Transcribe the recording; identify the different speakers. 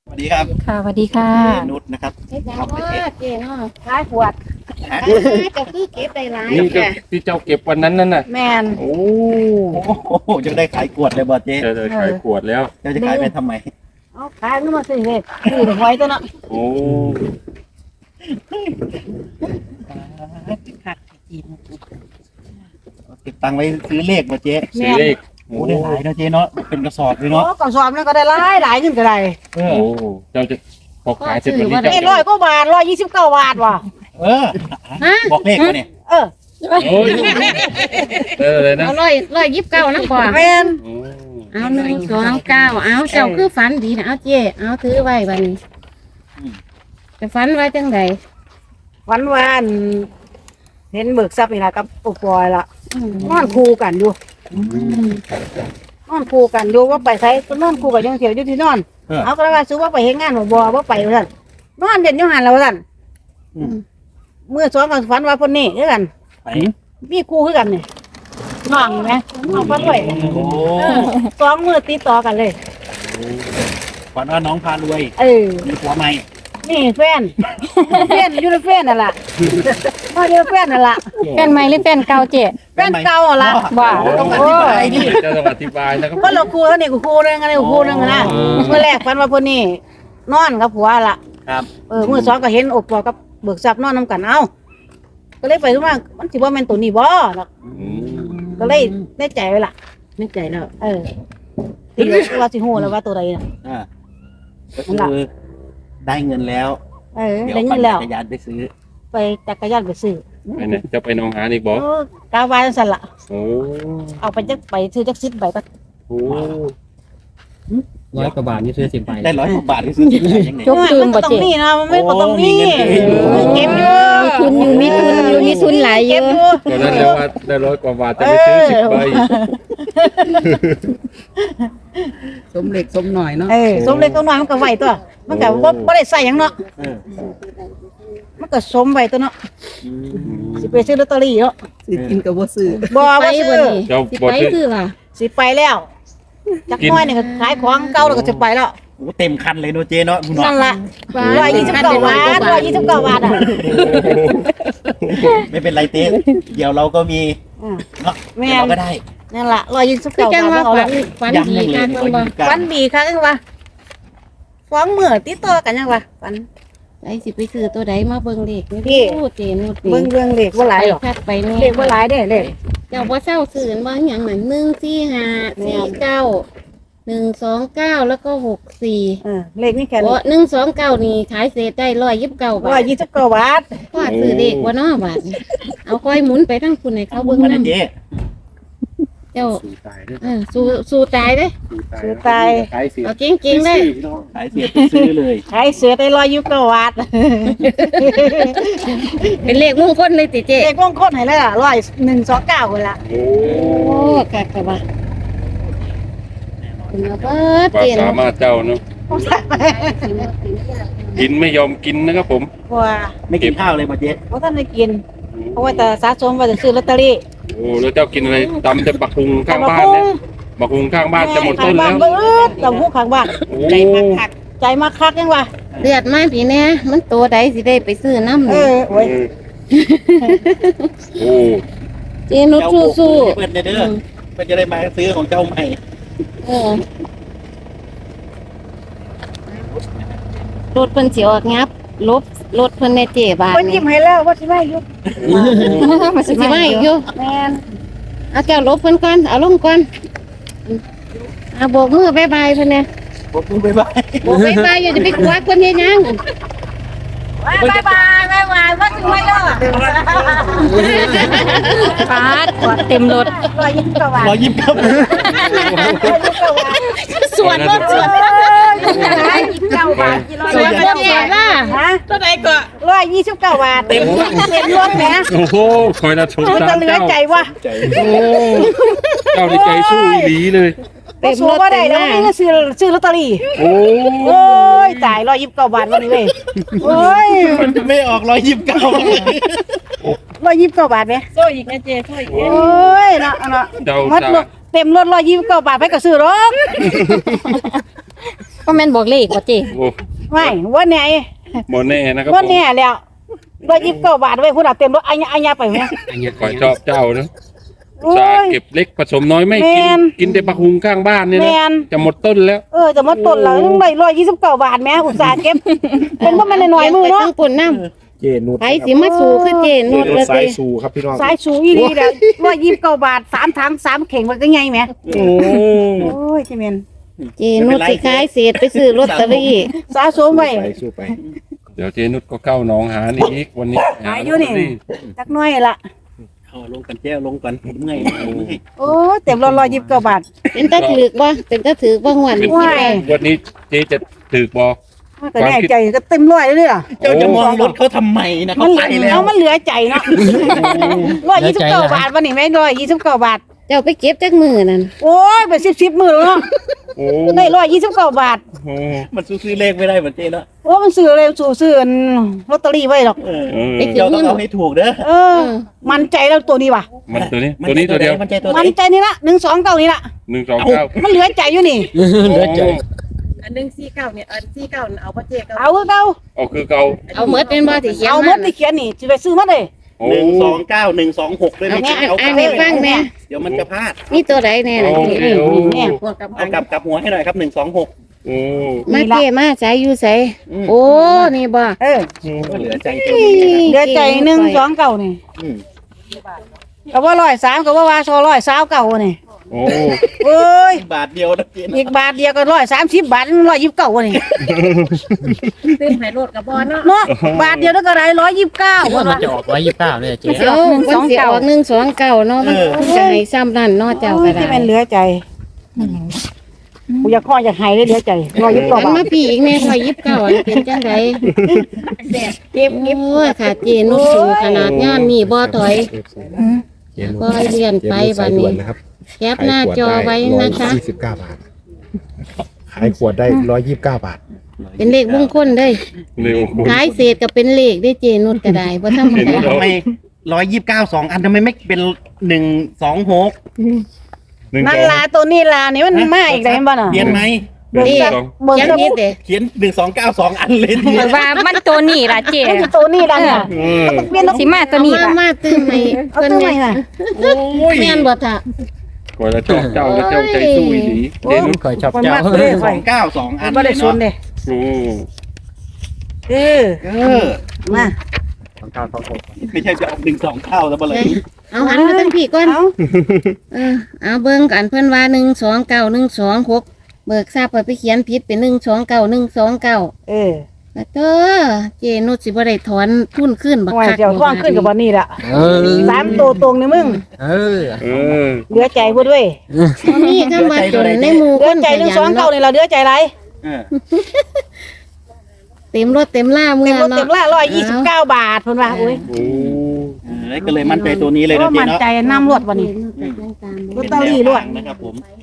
Speaker 1: สวัสดีครับ
Speaker 2: ค่ะสวัสดีค่ะ
Speaker 1: เจนุชนะครับ
Speaker 3: เฮ็ดหยัง
Speaker 1: ครับ
Speaker 3: ว่าเจ๊เนาะ
Speaker 2: ขายขวด
Speaker 1: ฮะ
Speaker 3: จะคือเก็บได้หลาย
Speaker 4: นี่
Speaker 3: แก
Speaker 4: ที่เจ้าเก็บวันนั้นนั่นน่ะ
Speaker 2: แมน
Speaker 4: โอ้
Speaker 1: โอ้โหจะได้ขายขวดเลยบ่เจ๊
Speaker 4: เจอขายขวดแล้ว
Speaker 1: เจ้าจะขายไปทำไม
Speaker 2: เอาขายขึ้นมาสิเลยซื้อหวยตัวเนาะ
Speaker 4: โอ้
Speaker 2: ค่ะจีน
Speaker 1: เก็บตังค์ไว้ซื้อเลขบ่เจ๊
Speaker 4: ซื้อเลข
Speaker 1: โอ้ได้หลายนะเจ๊เนาะเป็นกระสอบเลย
Speaker 2: โอ้
Speaker 1: เนาะ
Speaker 2: กล่องสอบนั่นก็ได้หลายขึ้นก็ได้
Speaker 1: เอ
Speaker 4: โอ้
Speaker 1: อ
Speaker 4: เจ้าจะพอขายเสร็จวันนี้
Speaker 2: เอ้
Speaker 4: เจ้า
Speaker 2: 100 กว่าบาท129 บาทว่ะ
Speaker 1: เออบอกเลขมาเนี่ย
Speaker 2: เออ
Speaker 4: โอ้ยเลยนะ
Speaker 3: เอา129นะพ่อ
Speaker 2: แมน
Speaker 4: โอ้
Speaker 3: เอา129เอาเจ้าคือฝันดีนะเอาเจ๊เอาถือไว้บัดนี้จะฝันไว้จังได
Speaker 2: วันวานเห็นเบิกทรัพย์นี่ล่ะกับปุกปอยล่ะ
Speaker 3: อืม
Speaker 2: นอนคู่กันอยู่นอนคู่กันอยู่ว่าไปไสก็นอนคู่กันยังเที่ยวอยู่ที่นอน เอาก็เลยว่าซื้อว่าไปเฮ็ดงานบ่ว่าไปว่าซั่นนอนเด่นอยู่หันแล้วว่าซั่นมื้อสองก็ฝันว่าเพิ่นนี่คือกัน
Speaker 1: ไป
Speaker 2: มีคู่คือกันนี่น้องแหมน้องเพิ่นด้วย
Speaker 1: โอ้
Speaker 2: สองมื้อติดต่อกันเลย
Speaker 1: ฝันว่าน้องพารวย
Speaker 2: เออ
Speaker 1: มีผัวใหม่
Speaker 2: นี่แฟนอยู่ในแฟนนั่นล่ะมาอยู่ในแฟนนั่นล่ะ
Speaker 3: แฟนใหม่หรือแฟนเก่าเจ๊
Speaker 2: แฟนเก่าหั่นล่ะ
Speaker 1: ว่าต้องอธิบายดิ
Speaker 4: เจ้าต้องอธิบายนะครับ
Speaker 2: เพิ่นเราคู่แล้วนี่กูคู่นึงอันนี้กูคู่นึงนะเมื่อแรกฝันว่าเพิ่นนี่นอนกับผัวล่ะ
Speaker 1: ครับ
Speaker 2: มื้อสองก็เห็นอบปอกับเบิกทรัพย์นอนนํกันเอ้าก็เลยไปรู้ว่ามันสิบ่แม่นตัวนี้บ่เนาะ
Speaker 4: อืม
Speaker 2: ก็เลยได้ใจไว้ล่ะได้ใจแล้วตีว่าสิฮู้แล้วว่าตัวใดน่ะ
Speaker 1: อ่าก็คือได้เงินแล้ว เดี๋ยว
Speaker 2: ได้
Speaker 1: ปั่
Speaker 2: เงิ
Speaker 1: น
Speaker 2: นแล้ว
Speaker 1: จักรยานไปซื้อ
Speaker 2: ไปจักรยานไปซื้อ
Speaker 4: ไปไหนจะไปหนองหานอีกบ่
Speaker 2: กาวาจังซั่นล่ะ
Speaker 4: โอ้
Speaker 2: เอาไปจักไปซื้อจัก10ใบก็
Speaker 4: โห
Speaker 5: 100 กว่าบาทนี่ซื้อ10 ใบ
Speaker 1: ได้100 กว่าบาทไปซื้อที่ไหนยังไง
Speaker 3: จกจืม
Speaker 2: มั
Speaker 3: บ่
Speaker 2: นต้อ
Speaker 3: เจ๊
Speaker 2: งมีนะมันไม่ต้องมี
Speaker 1: โอ้มีเงินเก็บอยู่
Speaker 2: เก็บอยู่
Speaker 3: มีทุนอยู่มีทุนหลายเย
Speaker 2: เก็
Speaker 3: อะ
Speaker 2: บอยู่
Speaker 4: ตอนนั้นเรียกว่าได้100 กว่าบาทจะไปซื้อ10 ใบ
Speaker 5: สมเล็กสมหน่อยเนาะ
Speaker 2: สมเล็กตัวน้อยมันก็ไหวตัว มันก็บ่ได้ใส่หยังเนาะ
Speaker 1: เออ
Speaker 2: มันก็สมไว้ตัวเนาะ
Speaker 1: อืม
Speaker 2: สิไปซื้อลอตเตอรี่เนาะ
Speaker 5: ซื้อกินกับบ่ซื้อ
Speaker 2: บ่
Speaker 3: ไป
Speaker 2: ว่าซื้
Speaker 3: บ่
Speaker 2: อ
Speaker 3: นี่
Speaker 4: เจ้า
Speaker 3: สิ
Speaker 4: บ่
Speaker 3: ไป
Speaker 4: ซื้อ
Speaker 3: คือล่ะ
Speaker 2: สิไปแล้วจักน้อยนี่ก็ขายของเก่าแล้วก็จะไปแล้ว
Speaker 1: โอ้เต็มคันเลยเนอะเจ๊เนาะคุณ
Speaker 2: นั่น
Speaker 1: เนาะ
Speaker 2: ล่ะ129 บาท129 บาทอ่ะ
Speaker 1: ไม่เป็นไรเต้เดี๋ยวเราก็มีเนาะ
Speaker 2: แม่
Speaker 1: เดี๋ยวเราก็ได้
Speaker 2: นั่นล่ะ
Speaker 3: คือ
Speaker 2: 129
Speaker 3: จัง
Speaker 2: บาท
Speaker 3: ว่า
Speaker 2: เอา
Speaker 3: ฝั
Speaker 2: ละ
Speaker 3: นดีกันเพิ่นบ่
Speaker 2: ฝันดีค่ะจังว่าฟ้องมื้อติดต่อกันจังว่าฝัน
Speaker 3: ไอ้สิไปซื้อตัวใดมาเบิ่งเลขนี่
Speaker 2: พี่
Speaker 3: โอ้เจนุด
Speaker 2: เบิ่งเรื่องเลขบ่หลายหรอก
Speaker 3: คัดไปแน่
Speaker 2: เลขบ่หลายเด้เลข
Speaker 3: เจ้าบ่เศร้าซื้อบ่หยังนั่น145 49 129แล้วก็64
Speaker 2: เลขนี่แค่
Speaker 3: โอ้129นี่ขายเศษได้129บาท
Speaker 2: 129 บาท
Speaker 3: พ่อซื้อเลขบ่เนาะบาทนี่เอาค่อยหมุนไปทั้งคุณให้เขาเบิ่ง
Speaker 1: มา
Speaker 3: นํ
Speaker 1: เจ๊
Speaker 3: เจ้า
Speaker 4: สู้ตายด้วย
Speaker 3: สู้ตายเด้
Speaker 2: ซื้อตาย
Speaker 4: ขายเสีย
Speaker 3: เอาจริงๆเด้
Speaker 1: ขายเสียไปซื้อเลย
Speaker 2: ขายเสือได้129 บาท
Speaker 3: เป็นเลขมงคลเลยติเจ
Speaker 2: เลขมงคลให้เลยล่ะ129พุ่นล่ะ
Speaker 4: โอ้
Speaker 3: โอ้กักกะบ่าคุณเอาเบิด
Speaker 4: ความ
Speaker 3: เจน
Speaker 4: สามารถเจ้าเนาะกินไม่ยอมกินนะครับผม
Speaker 2: ว่า
Speaker 1: ไม่กินข้าวเลยมาเจ๊
Speaker 2: บ่ทันได้กินเพราะว่าแต่สะสมว่าจะซื้อลอตเตอรี่
Speaker 4: โอ้แล้วเจ้ากินอะไรตำแต่บักหุงข้างบ้านเนี่ยบักหุงข้างบ้านจะหมดต้นแล้ว
Speaker 2: ตำหูข้างบ้าน
Speaker 4: โอ้
Speaker 2: ใจมากคักใจมากคักจังว่า
Speaker 3: เลือดมาพี่แน่มันตัวใดสิได้ไปซื้อน้ำ
Speaker 2: เอ
Speaker 3: นี่
Speaker 2: อโอ้ย
Speaker 4: โอ้
Speaker 3: เจนุช
Speaker 1: เจ้าบุก
Speaker 3: สู้
Speaker 1: เพื่อนเด้อเพื่อนจะได้มาซื้อของเจ้าใหม่
Speaker 3: เออรถเพิ่นสิออกงับลบรถเพิ่นในเจบาท
Speaker 2: เพิ่น
Speaker 3: นี่
Speaker 2: ยิ้มให้แล้วว่าสิมาอยู่
Speaker 3: มันสิมาอีกอยู่
Speaker 2: แม่น
Speaker 3: เอาแก้วลบเพิ่นก่อนเอาลงก่อนเอาโบกมือบ๊ายบายเพิ่นเนี่ย
Speaker 1: บอกคุณไปบ้าย
Speaker 3: โบกบ๊ายบายอย่าจะไปกวาดเพิ่นเฮ็ดหยัง
Speaker 2: บ๊ายบายบ๊ายบายว่าสิมาอยู่
Speaker 3: ปาดกวาดเต็มรถ
Speaker 2: 129 บาท
Speaker 1: 129
Speaker 3: ส่วนรถส่วน
Speaker 2: 129 บาท
Speaker 3: ส่วนรถแย่ล่ะ
Speaker 2: ฮะ
Speaker 5: เท่าใดก็
Speaker 2: 129 บาทเต็มรถแหม
Speaker 4: โอ้โหคอยนะชม
Speaker 2: มัน
Speaker 4: ตา
Speaker 2: จะ
Speaker 4: ม
Speaker 2: เหลือ
Speaker 4: เจ้า
Speaker 2: ใจวะ
Speaker 4: โอ้เจ้าในใจสู้อีหลีเลย
Speaker 2: เต็มรถได้แล้วนี่ก็ซื้อลอตเตอรี่
Speaker 4: โอ้
Speaker 2: โอ้ยตาย129 บาทวันนี้เว้ยโอ้ย
Speaker 1: มันจะไม่ออก
Speaker 2: 129 บาทไหม
Speaker 5: โซ่อีกนะเจโซ่อีก
Speaker 2: โอ้ยเนาะเนาะ
Speaker 4: เจ้า
Speaker 2: มัด
Speaker 4: ตา
Speaker 2: เต็มรถ129 บาทไปก็ซื้อหรอก
Speaker 3: ก็แม่นบอกเลขว่าเจ๊
Speaker 4: โอ้
Speaker 2: ไม่ว่าไง
Speaker 4: โมแน่นะครับ
Speaker 2: ว่า
Speaker 4: ผม
Speaker 2: แน่แล้ว129 บาทไว้พุ่นน่ะเต็มรถอัญญาไปไหม
Speaker 4: ขอชอบเจ้านะ
Speaker 2: โอ้
Speaker 4: สาย เก็บเล็กผสมน้อยไม่กิ
Speaker 2: แม่
Speaker 4: น
Speaker 2: น
Speaker 4: กินแต่ปลาคุงข้างบ้านเนี่ย
Speaker 2: แม
Speaker 4: นะ
Speaker 2: น
Speaker 4: จะหมดต้นแล้ว
Speaker 2: จะมาต้นแล้วยังได้129 บาทแม่อุตส่าห์เก็บเป็นบ่แม่นน้อยๆมือเนาะ
Speaker 3: ทั้งปุ่นน้
Speaker 6: เจนุช
Speaker 3: ำไปสิมาสู่คือเจนุชเลย
Speaker 6: สาย
Speaker 3: สิ
Speaker 6: สู่ครับพี่น้อง
Speaker 2: สายสูงอีหลีแล้ว129 บาท3ถัง3เข่งมันก็ไงแหม
Speaker 4: โอ้
Speaker 2: โอ้ยจิแม่น
Speaker 3: เจนุชสิขายเศษไปซื้อลอตเตอรี่
Speaker 2: สะสมไว้
Speaker 6: ไปสู้ไป
Speaker 4: เดี๋ยวเจนุชก็เข้าหนองหานอีกวันนี้
Speaker 2: หาอยู่นี่ จักหน้อยละ
Speaker 1: เอาลงกันแจ้วลงกันเมื่อย
Speaker 2: โอ้เต็ม129 บาท
Speaker 3: เป็นตาถือกบ่เป็นตาถือกบ่หวน
Speaker 4: เป็น
Speaker 2: ว้าย
Speaker 4: วันนี้เจจะถือบอ
Speaker 2: ก็แน่ใจก็เต็มร้อยเลยล่ะ
Speaker 1: เจ้าจะมองรถเขาทำไมนะเขาไปแล้ว
Speaker 2: มันเหลือใจเนาะ129 บาทวันนี้แม่129 บาท
Speaker 3: เจ้าไปเก็บจักมือนั่น
Speaker 2: โอ้ยเป็น10มื้อแล้วเนาะ
Speaker 4: โอ้
Speaker 2: ได้129 บาท
Speaker 4: โห
Speaker 1: มันซื้อเลขไม่ได้เหมือนเจ๊เนาะ
Speaker 2: โอ้มันซื้อเลยซื้อลอตเตอรี่ไว้หรอก
Speaker 4: เออ
Speaker 1: เจ้าต้องเอาให้ถูกเด้อ
Speaker 2: มั่นใจแล้วตัวนี้ว่ะ
Speaker 4: มันตัวนี้ตัวเดียว
Speaker 1: มันใจตัวไหน
Speaker 2: มั่นใจนี่ละ129นี่ละ
Speaker 4: 129
Speaker 2: มันเหลือใจอยู่นี่
Speaker 4: เหลือใจ
Speaker 5: อัน149เนี่ยอัน49เอาบ่เจ๊ก็
Speaker 2: เอาคือเก่า
Speaker 4: เอาคือเก่า
Speaker 3: เอาหมดเป็นบ่ที่เขียน
Speaker 2: เอาหมดที่เขียนนี่สิไปซื้อมาเลย
Speaker 4: โอ้
Speaker 1: 129 126ด้วย
Speaker 3: เอา
Speaker 1: นะ
Speaker 3: แม่
Speaker 1: เอา
Speaker 3: อ่านให้ฟังแม่
Speaker 1: เดี๋ยวมันจะพลาด
Speaker 3: นี่ตัวใดแน่น่ะ
Speaker 4: โอ
Speaker 3: เจ๊
Speaker 4: เคโอ้
Speaker 2: เนี่ย
Speaker 5: พวกกับ
Speaker 1: เอากลับหัวให้หน่อยครับ126
Speaker 4: โอ้
Speaker 3: มาเจ๊มาใส่อยู่ใส่โอ้นี่บ่
Speaker 1: เหลือใจตัวนี้
Speaker 2: เหลือใจ129นี่
Speaker 1: อืม
Speaker 2: ก็ว่า103ก็ว่า129นี่
Speaker 4: โอ้
Speaker 2: เอ้ย
Speaker 1: บาทเดียวนะเจ๊
Speaker 2: อีกบาทเดียวก็130 บาท129นี่
Speaker 5: ซื้อให้รถกับบ่เนาะ
Speaker 2: เนาะบาทเดียวแล้วก็ได้129
Speaker 6: มันจะออก129เนี่ยเจ
Speaker 3: เอาคนสิออก129เนาะมันจะให้ซ้ำนั่นเนาะเจ้าก็ได้
Speaker 2: ที่มันเหลือใจกูอยากข้ออยากหายเลยเหลือใจ129
Speaker 3: อัน
Speaker 2: บา
Speaker 3: มา
Speaker 2: ท
Speaker 3: พี่อีกแม่พอ29อันเป็นจังได
Speaker 2: เก็บ
Speaker 3: โอ้ยค่ะเจนุชสู่ขนาดงานนี่บ่ถอย
Speaker 6: เจนุช
Speaker 3: ก็เรียนไปบัดนี้
Speaker 6: นะครับ
Speaker 3: แคปหน้าจอไว้นะคะ
Speaker 6: 129 บาท ขายขวดได้129 บาท
Speaker 3: เป็นเลขมงคลเด้ย
Speaker 4: เร็ว
Speaker 3: ขายเศษก็เป็นเลขได้เจนุชก็ได้บ่ธรรมดา
Speaker 1: ทำไม129 2 อันทำไมไม่เป็น126
Speaker 2: นั่นลาตัวนี้ลานี่มันมาอีกแล้วเห็นบ่น่ะ
Speaker 1: เปลี่ยนไหม
Speaker 2: เบิ่ง
Speaker 3: นี่
Speaker 2: ซะเบิ่ง
Speaker 3: ยัง
Speaker 2: ซะ
Speaker 3: นิดเด้
Speaker 1: เขียน1292 อันเลยที
Speaker 7: ข่อยว่ามันตัวนี้ล่ะเจ๊
Speaker 2: มันคือตัวนี้ล่ะเนี่ย
Speaker 7: เปลี่ยนสิมาตัวนี้ล่ะ
Speaker 3: มาตื้มให้
Speaker 2: เอา
Speaker 3: เพิ่น
Speaker 2: ตัวให
Speaker 3: แม่
Speaker 2: ม่น่ะ
Speaker 1: โอ้ย
Speaker 3: แม่นบ่ท่ะ
Speaker 4: กว่าจะชอบเจ้าแล้วเจ้าใจสู้อีหลีเจนุช
Speaker 6: คอยชอบ
Speaker 2: มัน
Speaker 6: เจ้า
Speaker 2: มาตัวนี้ข่อย
Speaker 1: 292 อัน
Speaker 2: บ่ได้สนเด้
Speaker 4: โอ้
Speaker 2: เออ มา
Speaker 1: ไม่ใช่จะเอา129แล้วบ่เลย
Speaker 3: เอาหันมาตั้งพี่ก่อน
Speaker 2: เอา
Speaker 3: เอาเบิ่งกันเพิ่นว่า129 126เบิกทราบเพิ่นไปเขียนผิดเป็น129 129
Speaker 2: เออ
Speaker 3: แล้วเด้อเจนุชสิบ่ได้ถอนทุนขึ้นบัก
Speaker 2: โอ้ย
Speaker 3: คัก
Speaker 2: เดี๋ยวท่วงขึ้นกับบ่นี่ล่ะ
Speaker 6: เออ
Speaker 2: 3ตัวตรงนี่มึง
Speaker 6: เออ
Speaker 4: เออ
Speaker 2: เหลือใจพุ่นเว้ย
Speaker 3: บ่มีคำว่าจนในหมู่
Speaker 2: เหลื
Speaker 3: ค
Speaker 2: อน ใจ
Speaker 3: ขยันเนาะ
Speaker 2: 129นี่ล่ะเหลือใจหลาย
Speaker 1: เออ
Speaker 3: เต็มรถเต็มล่าเมื่
Speaker 2: เต็
Speaker 3: อ
Speaker 2: มรถเต็ม
Speaker 3: เนาะ
Speaker 2: ล่า129 บาทเพิ่นว่าโอ้ย
Speaker 4: โอ้
Speaker 1: ก็เลยมั่นใจตัวนี้เลย
Speaker 2: เพ
Speaker 1: นะ
Speaker 2: ราะ
Speaker 1: เจ๊
Speaker 2: มั่น
Speaker 1: เนาะ
Speaker 2: ใจนำรถบ่นี่ ลอตเตอรี่ด้วย
Speaker 1: นะครับผม